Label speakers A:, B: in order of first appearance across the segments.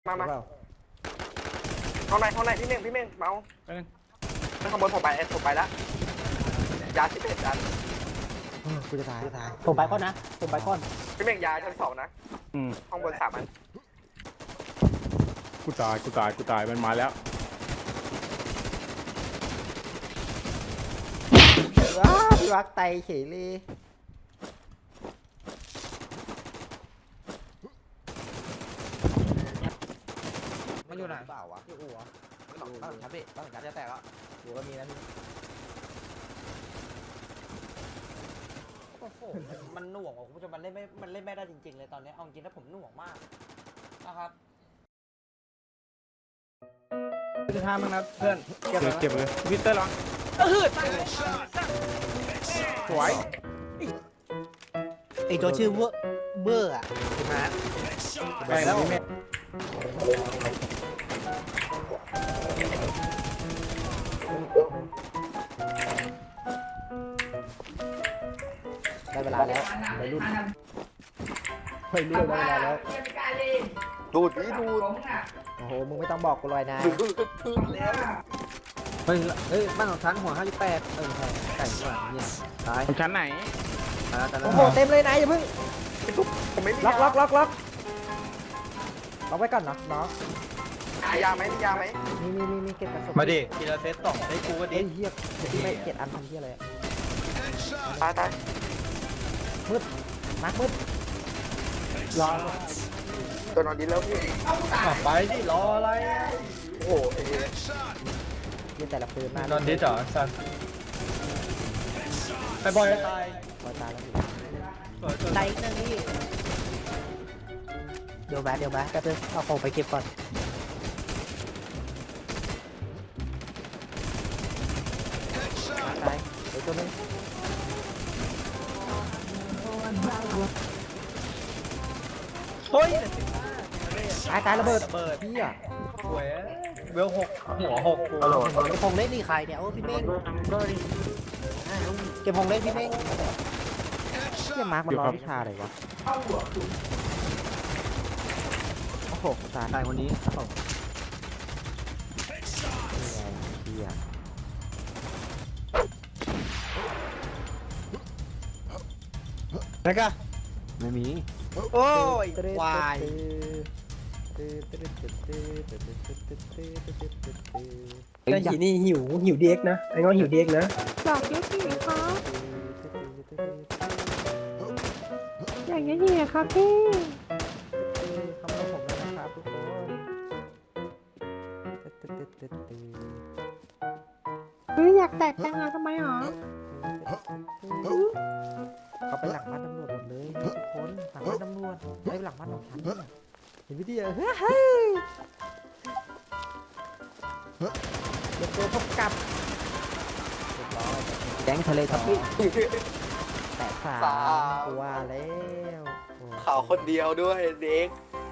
A: มา
B: ข้างในพี่เม่งเมาข้างบนผมไปแล้วยา11อัน
A: กูจะตายผมไปก้อนนะผมไปก้อน
B: พี่เม่งยาชั้น2นะข้างบน3อัน
C: กูตายมันมาแล้ว
A: พี่วักไตเฉยเลย
D: มันอยู่ไหน
A: เปล่าวะที่อู่วะบ้านครับพี่บ้านกันจะแตกแล้วอู่ก็มีนะพี่โอ้โหมันหน่วงคุณผู้ชมมันเล่นไม่ได้จริงๆเลยตอนนี้เอาจริงๆถ้าผมหน่วงมากนะครับ
D: จะทำมั้งนะเพื่อน
C: เก็บเลยวิเตอร์ลองสวย
A: ไอตัวชื่อเบอร์อ่ะถูกไหม
C: ไปแล้ว
A: ได้เวลาแล้วไปรุ่นได้เวลาแล้ว
B: ดูด
A: โอ้โหมึงไม่ต้องบอกกูลอยนะ
B: แล้ว
A: เฮ้ยบ้านของฉันหัว58ใช่ไก่ด้วยเนี่ยตาย
C: ของชั้นไหน
A: โอ้โหเต็มเลยนายอย่าเพิ่ง
B: ผมไม่มี
A: ล็อกไว้ก่อนเนาะน้อง
B: ยาไหม
A: มีเก็บกระสุน
D: มาดิทีละเซต2ได้กูก็ดี
A: เฮียไม่เก็บอันทำเฮียอะไร
B: ตาย
A: มืดมืด
B: รอตัวนอนดีแล้วพี่
D: ไปดิรออะไร
B: โอ้โห
A: ยิงแต่ละปืนมาน
D: อนดิจ๋อสันไปบอยตาย
A: แล้วตายอีกนึงพี่เดี๋ยวแป๊บนึงเอาของไปเก็บก่อนตายเดี๋ยวตัวนึง
D: เฮ้ย
A: ตายระเบิดพี่อ่ะ
D: หวยเวล6หัว6กู
A: เก็บพงเล่นนี่ใครเนี่ยโอ้พี่เม้งเก็บพงเล่นพี่เม้งเกี่ยมาร์กมันรอวิชาอะไรวะโอ้โหตายคนนี้
D: นะกะ
A: ไม่มี
D: โอ้ยควายไอ้หีนี่หิวเด็กนะไอ้ง้อหิวเด็กนะ
E: อยากเยอะที่ไหนคะอยากเยอะที่ไหนคะพี่
A: คำนผมเลยนะครับทุกคน
E: อยากแตกจังอะทำไมหรอ
A: เขาไปหลังบ้านตำรวจหมดเลยทุกคนหลังบ้านตำรวจไปหลังบ้านของฉันเห็นวิธีเฮ้ยเดี๋ยวตัวพบกับแก๊งทะเลทับพี่แต่3กว่าแล้ว
B: ข่าวคนเดียวด้วยเด็ก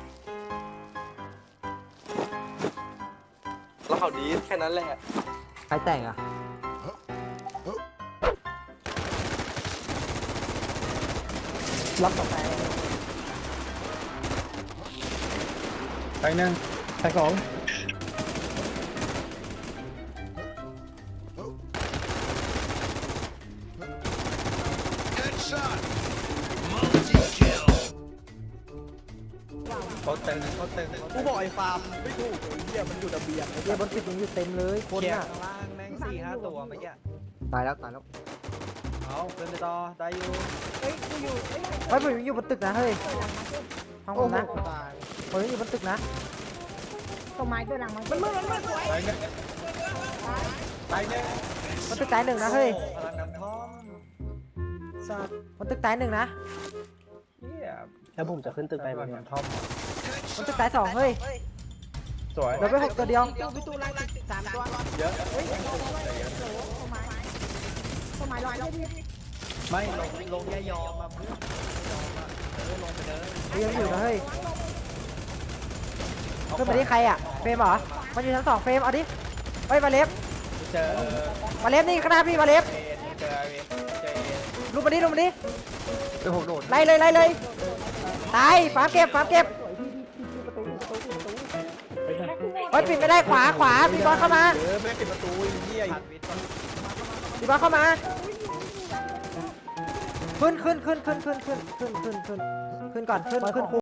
B: แล้วข่าวดีแค่นั้นแหละ
A: ใครแต่งอ่ะล็อกต่อไป
D: ไปหนึ่งไป2เขาเต็มกูบอกไอ้ฟาร์มไม่ถูกไอ้เหี้ยมันอยู่ระเบียง
A: เหี้ยบนตึกยังอยู่เต็มเลยคนอ่ะ
D: ข้างล่างแม่ง4-5 ตัวเมื่อกี้
A: ตายแล้ว
D: เอาเดินไปต่อได้อยู่
A: ผมอยู่บนตึกนะเฮ้ยฟังผมนะผมอยู่บนตึกนะ
E: ต้นไม้ตัวหลังมันมืดสวย
D: ตายเนี่ย
A: มันตึกตาย1นะเฮ้ย
D: พลังน้ำท่อมสัตว์
A: มันตึกตาย1นะ
D: แล้วผมจะขึ้นตึกไปแบบน้ำท่อม
A: มันตึกตาย2เฮ้ย
D: สวย
A: เราไป6ตัวเดียว
E: วิตูรัง3ตัว
D: เยอะ
E: ต้นไม้ลอยแล้วพี่
D: ไม่ลงยอมมาเพื่อนลงไปเลย
A: ยังอยู่นะเฮ้ยขึ้นไปที่ใครอ่ะเฟรมเหรอมันอยู่ชั้น2เฟรมเอาดิเฮ้ยมาเล็บ
D: เจอ
A: มาเล็บนี่ข้างหน้าพี่มาเล็บ
D: เจอ
A: ลุกมาดิ
D: เป็น6โดด
A: ไล่เลยตายฝาเก็บฮ้ยปิดไม่ได้ขวาพี่บอสเข้ามา
D: ไม่ปิดประตูไอ้เหี้ย
A: พี่บอสเข้ามาขึ้นก่อนขึ้น